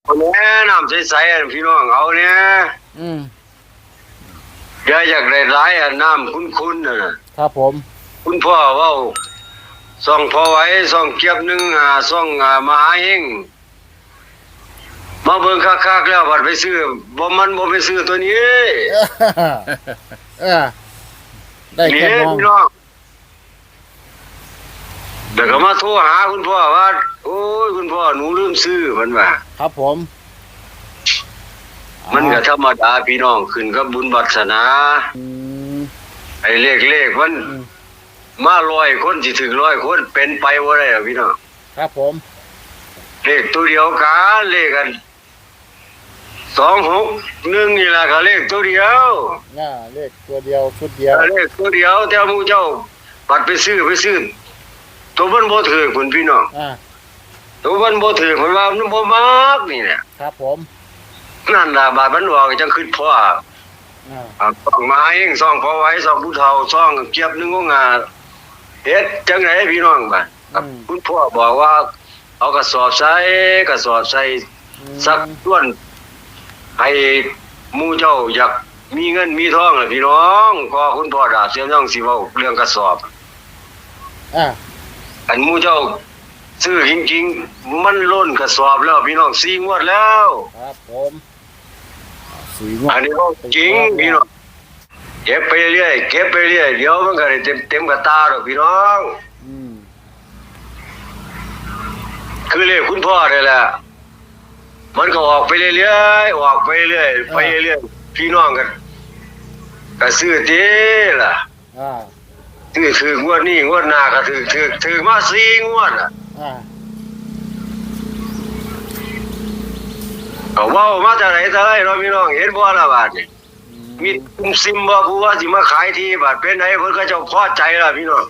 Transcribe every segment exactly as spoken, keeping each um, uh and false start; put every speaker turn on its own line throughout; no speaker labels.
เอาแน่น้ำใสๆพี่น้องเอาเนี่ย
อืม
อย่าอยากได้หลายอ่ะน้ำคุ้นๆน่ะ
ครับผม
คุณพ่อเว้าส่องพอไว้ส่องเก็บหนึ่งอ่าส่องอ่ามหาเฮงมาเบิ่งคักๆแล้วบัดไปซื้อบ่มันบ่ไปซื้อตัวนี้
เออได้แค่มอง
พี่น้องเดี๋ยวก็มาโทรหาคุณพ่อว่าโอ้ยคุณพ่อหนูลืมซื้อมันว่า
ครับผม
มันก็ธรรมดาพี่น้องขึ้นกับบุญวาสนา
อืม
ไอ้เลขๆมันมาร้อยคนสิถึงร้อยคนเป็นไปบ่ได้หรอกพี่น้อง
ครับผม
เลขตัวเดียวกันเลขกันสองหกหนึ่งนี่ล่ะก็เลขตัวเดียว
น่าเลขตัวเดียวชุดเดียว
เลขตัวเดียวแต่หมู่เจ้าบัดไปซื้อไปซื้อตัวมันบ่ถูกพุ่นพี่น้อง
อ่า
ตัวมันบ่ถูกมันว่ามันบ่มักนี่แหละ
ครับผม
นั่นล่ะบาดมันออกจังคิดพ่ออ่าอ่าต้องมาเองซ่องพอไว้ซ่องผู้เฒ่าซ่องเก็บหนึงของงาเฮ็ดจังได๋พี่น้องบัดคุณพ่อบอกว่าเอากระสอบใส่กระสอบใส่สักส่วนให้หมู่เจ้าอยากมีเงินมีทองล่ะพี่น้องก็คุณพ่อดาบเสียน้องสิเว้าเรื่องกระสอบ
อ่า
อันหมู่เจ้าซื้อจริงๆมันล้นกระสอบแล้วพี่น้องสี่งวดแล้ว
ครับผมสี่งวด
อันนี้ก็จริงพี่น้องเก็บไปเรื่อยเก็บไปเรื่อยเดี๋ยวมันก็ได้เต็มเต็มกระตาดอกพี่น้อง
อืม
คือเลขคุณพ่อนี่แหละมันก็ออกไปเรื่อยๆออกไปเรื่อยไปเรื่อยพี่น้องกันก็ซื้อติล่ะ
อ่า
ซื้อถืองวดนี้งวดหน้าก็ถือถือถือมาสี่งวดอ่ะ
อ่า
ก็เว้ามาจากไหนแต่ไรเนาะพี่น้องเห็นบ่ล่ะบาดนี่มีคุมซิมบ่ผู้ว่าสิมาขายที่บาดเป็นไหนเพิ่นก็เจ้าพอใจล่ะพี่น้อง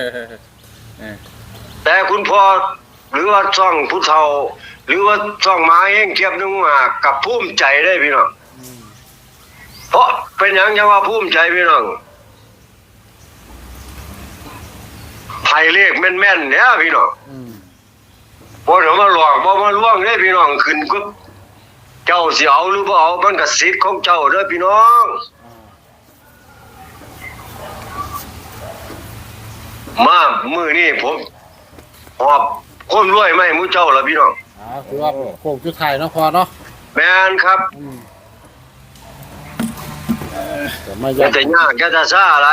แต่คุณพ่อหรือว่าช่องผู้เฒ่าหรือว่าช่องมาเองเก็บนึงว่ากับภูมิใจได้พี่น้องเพราะเป็นหยังจังว่าภูมิใจพี่น้องไผเลขแม่นๆเนี่ยพี่น้องบ่ได้มาหลอกบ่มาลวงเด้พี่น้องขึ้นก็เจ้าสิเอาหรือบ่เอามันก็สิทธิ์ของเจ้าเด้อพี่น้องมามื้อนี้ผมหอบคนรวยมาให้หมู่เจ้าล่ะพี่น้อง
อ่าคือว่าโค้งสุดท้ายเนาะพอเนาะ
แม่นครับ
แต่ไม่ยาก
จะยากจะซ่าอะไร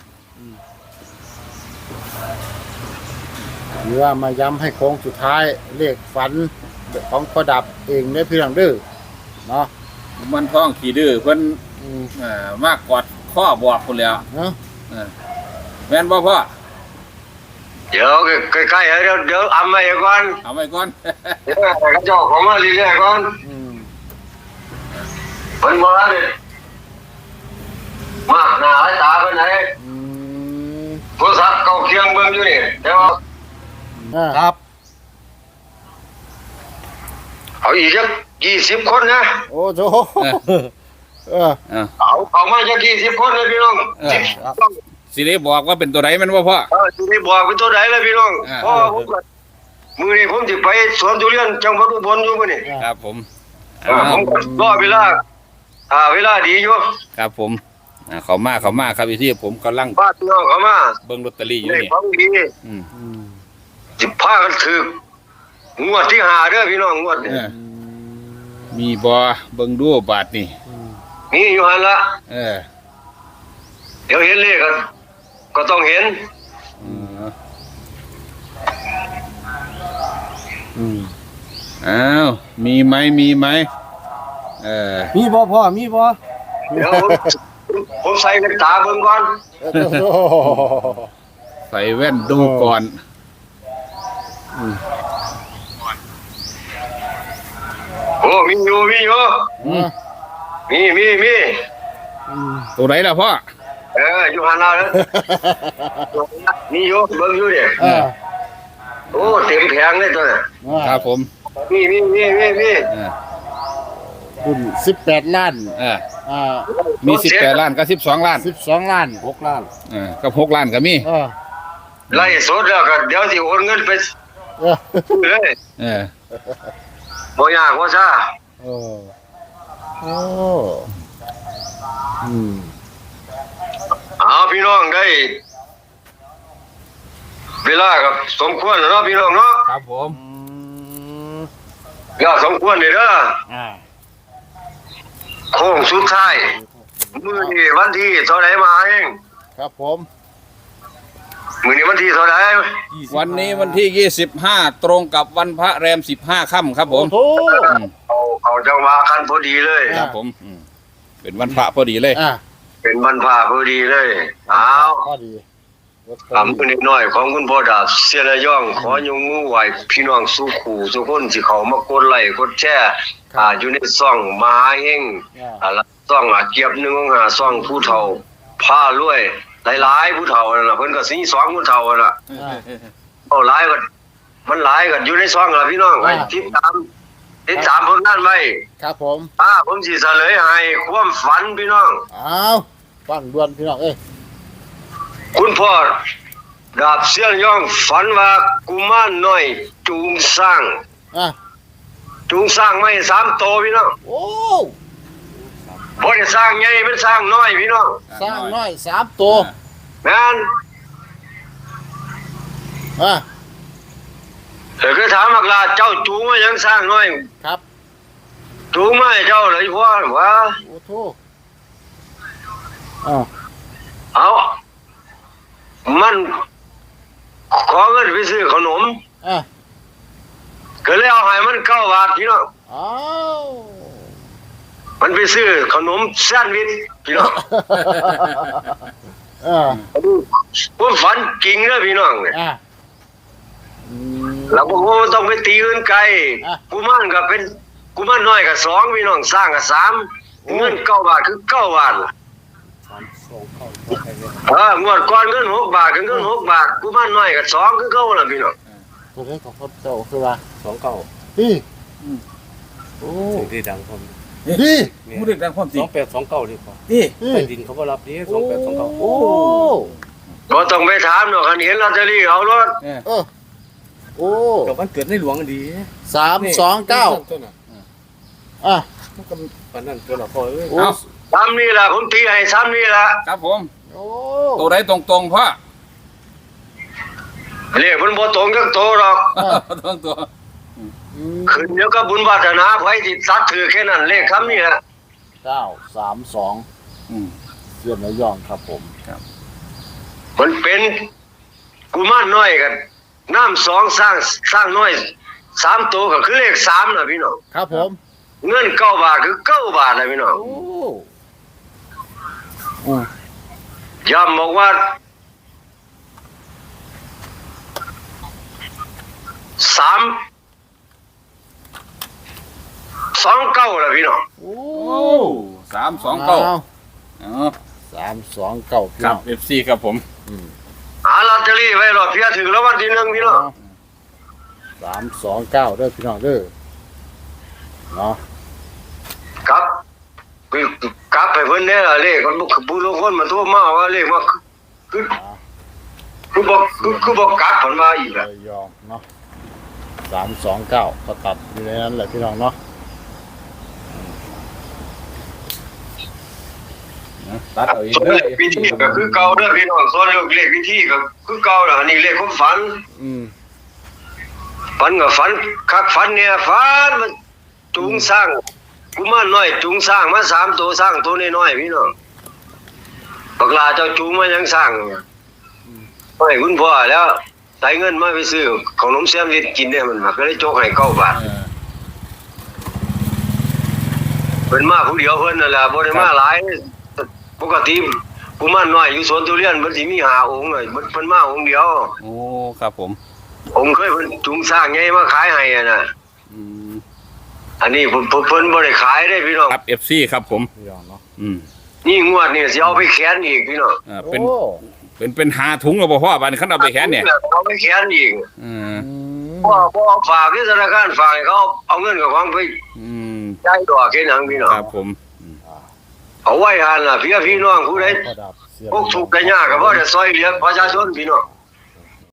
หรือว่ามาย้ำให้โค้งสุดท้ายเลขฝันของประดับเองได้เพียงดื้อเนาะ
มันท้องขี้ดื้อเพิ่นอ่ามากกอดข้อบอกพุ่นแล้ว
เนาะ
แม่นบ่พ่อ
เดี๋ยวใกล้ๆเดี๋ยวเดี๋ยวอำไว้ก่อน
เอาไว้ก่อน
เดี๋ยวเจ้าของมาเรื่อยๆก่อน
อืม
เพิ่นบ่ได้มากหน้าหลายตาเพิ่นไหน
อืม
โทรศัพท์เก่าเคียงเบิ่งอยู่นี่เดี๋ยว
ครับ
เอาอีกจักยี่สิบคนนะ
โอ้โหเออ
เอาเอามาจักยี่สิบคนเลยพี่น้อง
สิได้บอกว่าเป็นตัวใดแม่นบ่พ่อ
เออสิได้บอกเป็นตัวใดเลยพี่น้องพ่อผมมื้อนี้ผมสิไปสวนทุเรียนจังหวัดอุบลอยู่มื้อนี้
ครับผม
เออผมรอเวลาอ่าเวลาดีอยู่
ครับผมอ่าเข้ามาเข้ามาครับที่ผมกำลัง
ป้าพี่น้องเข้ามา
เบิ่งลอตเตอรี่อยู่นี่
ของดี
อืม
สิพากันถึกงวดที่ห้าเด้อพี่น้องงวดนี้
มีบ่เบิ่งดูบาทนี่
มีอยู่หั่นล่ะ
เออ
เดี๋ยวเห็นเลขกันก็ต้องเห็น
อืม
อ้าวมีไหมมีไหมเออ
มีบ่พ่อมีบ่
เดี๋ยวผมใส่แว่นตาเบิ่งก่อน
ใส่แว่นดูก่อน
โอ้มีอยู่มีอยู่มีมีมี
ตัวไหนล่ะพ่อ
เอออยู่หันเราเลยมีอยู่เบิ่งอยู่เนี่ยโอ้เต็มแผงเลยตัวน่ะ
ครับผม
มีมีมีมีมี
คุณสิบแปดล้าน
เอออ่ามีสิบแปดล้านกับสิบสองล้าน
สิบสองล้านหกล้าน
เออกับหกล้านก็มี
เออ
ไล่สดแล้วก็เดี๋ยวสิโอนเงินไปเออเลย
เออ
บ่ยากว่าซ่า
เออโอ้อืม
เอาพี่น้องได้เวลากับสมควรแล้วเนาะพี่น้องเนาะ
ครับผม
อืม
เวลาสมควรนี่เด้อ
อ่า
โค้งสุดท้ายมื้อนี้วันที่เท่าไหร่มาเอง
ครับผม
มื้อนี้วันที่เท่าไหร่
วันนี้วันที่ยี่สิบห้าตรงกับวันพระแรมสิบห้าค่ำครับผม
โอ้โห
อืม
เอาเอาจังหวะคันพอดีเลย
ครับผมอืมเป็นวันพระพอดีเลย
อ่า
เป็นวันพาพอดีเลยเอา
พอดี
ทำมือนิดหน่อยของคุณพ่อดาบเสียระย่อง ขอยงมือไหวพี่น้องสู้ขู่ทุกคนที่เขามากดไลค์กดแชร์อ่าอยู่ในซ่องมหาเฮง
อ่า
อ่าแล้วซ่องอ่ะเกียบหนึงของหาซ่องผู้เฒ่าผ้ารวยหลายๆผู้เฒ่านั่นน่ะเพิ่นก็สิสองผู้เฒ่านั่นน่ะ
อ่า
เอาหลายก็มันหลายก็อยู่ในซ่องล่ะพี่น้องไอ้
อ่า
ติดตามติดตามผลงานไว้
ครับผม
อ่าผมสิเฉลยให้ความฝันพี่น้อง
อ้าวฟังด่วนพี่น้องเอ้ย
คุณพ่อดาบเสียนย่องฝันว่ากุมารน้อยจูงสร้าง
อ่ะ
จูงสร้างไม่สามโตพี่น้อง
โอ้
บ่ได้สร้างใหญ่เป็นสร้างน้อยพี่น้อง
สร้างน้อยสามตัว
แม่น
อ่ะ
เออคือถามมักลาเจ้าจูงมายังสร้างน้อย
ครับ
จูงมาให้เจ้าเลยพ่อว่า
โอ้โหอ่า
เอามันขอเงินไปซื้อขนม
อ่ะ
ก็เลยเอาให้มันเก้าบาทพี่น้อง
อ้าว
มันไปซื้อขนมแซนด์วิชพี่น้อง
อ่า
ผมฝันจริงเด้อพี่น้องเนี่ย
อ่ะอืม
แล้วผมก็ต้องไปตีอื่นไกล
อ่ะ
กุมารก็เป็นกุมารน้อยกับสองพี่น้องสร้างกับสาม
โอ้
เงินเก้าบาทคือเก้าบาทล่ะ
สามสองเข้าเข้าไปเลย
เอองวดก่อนเงินหกบาทกับเงินหกบาทกุมารน้อยกับสองคือเก้าล่ะพี่น้อง
ตัวเลขของพ่อเจ้าคือว่า
สองเก้า
ดีโอ้
ถึงที่ดังผม
ดี
ผู้เด็กดังความจริ
ส
ง
องแปดสองเก้าดีกว่า
นี่
ดี
ใต้ดินเขาก็รับดีสองแปดสองเก้า
โอ้
บ่ต้องไปถามเนาะคันเห็นลอตเตอรี่เอารถ
เออ
เออโอ้
กับวันเกิดในหลวงดี
สามสองเก้า
ตัวน่ะ
อ่ะ
มันก็ปันนั่นตัวละพอเอ้ย
โอ้
เอา
ซ้ำนี่ล่ะผมตีให้ซ้ำนี่ล่ะ
ครับผม
โอ้
ตัวใดตรงๆพ่อ
เลขมันบ่ตรงจักโตหรอก
ตรงตัว
อืม
ขึ้นเดี๋ยวก็บุญวาสนาไผสิตัดถือแค่นั้นเลขคำนี้ล่ะ
เก้าสามสอง
อืม
เสียนระยองครับผม
มันเป็นกุมารน้อยกันน้ำสองสร้างสร้างน้อยสามตัวก็คือเลขสามน่ะพี่น้อง
ครับผม
เงินเก้าบาทคือเก้าบาทน่ะพี่น้อง
โอ้อืม
ย้ำบอกว่าสามสองเก้าล่ะพี่น้อง
โอ้
โอ้สามสองเก้า
อ้ว
อ๋อ
สามสองเก้าพี่
ครั
น้
บ
อง
เอฟซีครับผม
อืม
หาลอตเตอรี่ไว้รอเพียถึงแล้ววันที่หนึ่งพี่น้อง
สามสองเก้าเด้อพี่น้องเด้อเนาะ
ครับคือกลับไปเพิ่นเนี่ยล่ะเลขมันบ่ผู้ลางคนมันโทรมาว่าเลขว่าคือคือบอกคือคือบอกกลับเพิ่นว่าอีกล่ะ
ระยองเนาะสามสองเก้าก็ตัดอยู่ในนั้นแหละพี่น้องเนาะ
ตัดเอาเอง
ส่วน
เด้อ
เลขวิธีก็คือเก่าเด้อพี่น้องส่วนเลขวิธีก็คือเก่าล่ะอันนี้เลขความฝัน
อืม
ฝันก็ฝันคักฝันเนี่ยฝันมันจูงสร้างกุมารน้อยจูงสร้างมาสามตัวสร้างตัวน้อยๆพี่น้องบักลาเจ้าจูงมายังสร้างให้คุณพ่อแล้วใส่เงินมาไปซื้อขนมแซมวิชกินเนี่ยมันมาก็เลยโจกให้เก้าบาท
เออ
เพิ่นมาผู้เดียวเพิ่นนั่นแหละบ่ได้มาหลายปกติกุมารน้อยอยู่สวนทุเรียนมันสิมีห้าองค์น่ะเพิ่นมาองค์เดียว
โอ้ครับผม
องค์เคยเพิ่นจูงสร้างใหญ่มาขายให้อะน่ะ
อืม
อันนี้เพิ่นเพิ่นเพิ่นบ่ได้ขายเด้พี่น้อง
ครับเอฟซีครับผม
พี่น้องเนาะ
อืม
นี่งวดนี่สิเอาไปแขนอีกพี่น้อง
อ่าเป็น
โอ้
เป็นเป็นหาถุงกับพ่อบ้านขันเอาไปแขนเนี่ย
เอาไปแขนอีก
อืม
อืม
พ่อพ่อฝากที่ธนาคารฝากให้เขาเอาเงินกับของไป
อืม
จ่ายดอกแค่นั้นพี่น้อง
ครับผม
เอาไว้หันล่ะพี่พี่น้องผู้ใด
พ่อดับเสียน
พวกทุกข์ได้ยากก็บ่ได้ซอยเหลือประชาชนพี่น้อง